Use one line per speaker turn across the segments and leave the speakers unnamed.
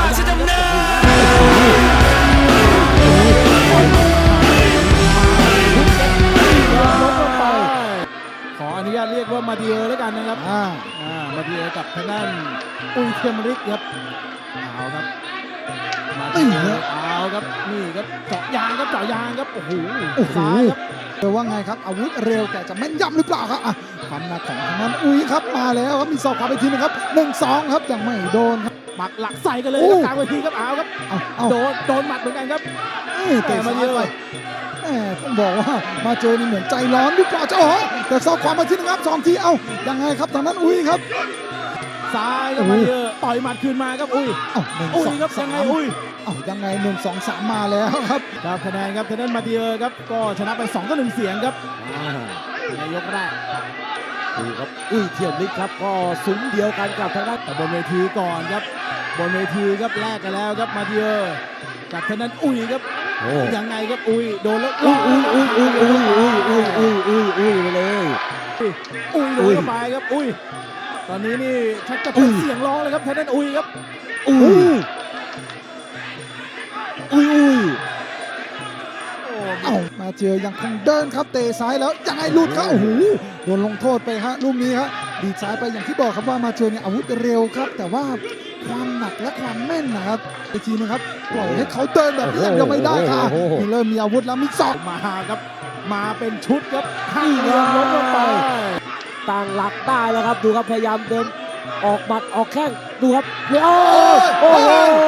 จะดำเนิ
ขออนุญาตเรียกว่ามาเดียแล้วกันนะครับมาเดียกับทางด้านอุ้ยเทียมฤทธิ์ครับเอาครับมาเดียเอาครับนี่ครับเจาะยางครับเจาะยางครับโอ้โหซ้ายครับ
เดี๋ยวว่าไงครับอาวุธเร็วแต่จะแม่นยำหรือเปล่าครับความหนักของทางนั้นอุ้ยครับมาแล้วครับมีศอกขวาไปทีนึงครับ1-2ครับยังไม่โดนครับ
หมัดหลักใส่กันเลยครับกลางเวทีครับเอาครับโดนหมัดเหมือนกันครับ
แต่มาเยอะต้องบอกว่ามาเจอนี่เหมือนใจร้อนหรือเปล่าเจ้าหอแต่ศอกขวามาทีนึงครับ2 ทียังไงครับทางนั้นอุ้ยครับ
ซ้ายครับมาเยอะต่อยหมัดคืนมาครับอุ้ยครับยังไง
ยังไง1-2-3มาแล้วครับ
คะแนนครับทางด้านมาเดียครับก็ชนะไป2-1เสียงครับในยกแรก
ดูครับอุ้ยเทียมฤทธิ์ครับก็ซุ้มเดียวกันกับทางด้าน
แต่บนเวทีก่อนครับบนเวทีครับแลกกันแล้วครับมาเดียกับทางด้านอุ้ยครับยังไงครับอุ้ยโดนแล้ว
อุ้ยไปเลย
โดนเข้าไปครับอุ้ยตอนนี้นี่ชักจะเป็นเสียงร้องเลยครับทางด้านอุ้ยครับ
มาเจอยังคงเดินครับเตะซ้ายแล้วยังไงหลุดครับโอ้โหโดนลงโทษไปฮะลูกนี้ครับดีดซ้ายไปอย่างที่บอกครับว่ามาเจอเนี่ยอาวุธเร็วครับแต่ว่าความหนักและความแม่นนะครับอีกทีนึงครับปล่อยให้เขาเดินแบบนี้ยังไม่ได้ค่ะนี่เริ่มมีอาวุธแล้วมีศอก
มาครับมาเป็นชุดครับให้เรียงล้มลงไป
ตั้งหลักได้แล้วครับดูครับพยายามเดินออกหมัดออกแข้งดูครับโอ้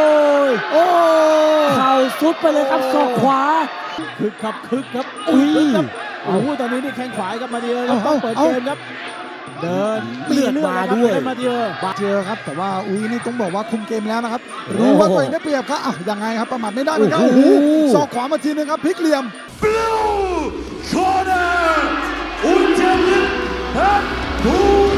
เข่าซุดไปเลยครับศอกขวา
คึกครับโอ้โหตอนนี้นี่แข้งขวาครับมาเดียครับต้องเปิดเกมครับเดิน
เลือดมาด้วย
มาเดีย
ครับแต่ว่าอุ้ยนี่ต้องบอกว่าคุมเกมแล้วนะครับรู้ว่าตัวเองได้เปรียบครับยังไงครับประมาทไม่ได้เหมือนกันโอ้โหศอกขวามาทีนึงครับพลิกเหลี่ยม
Blue Corner อุจจาระ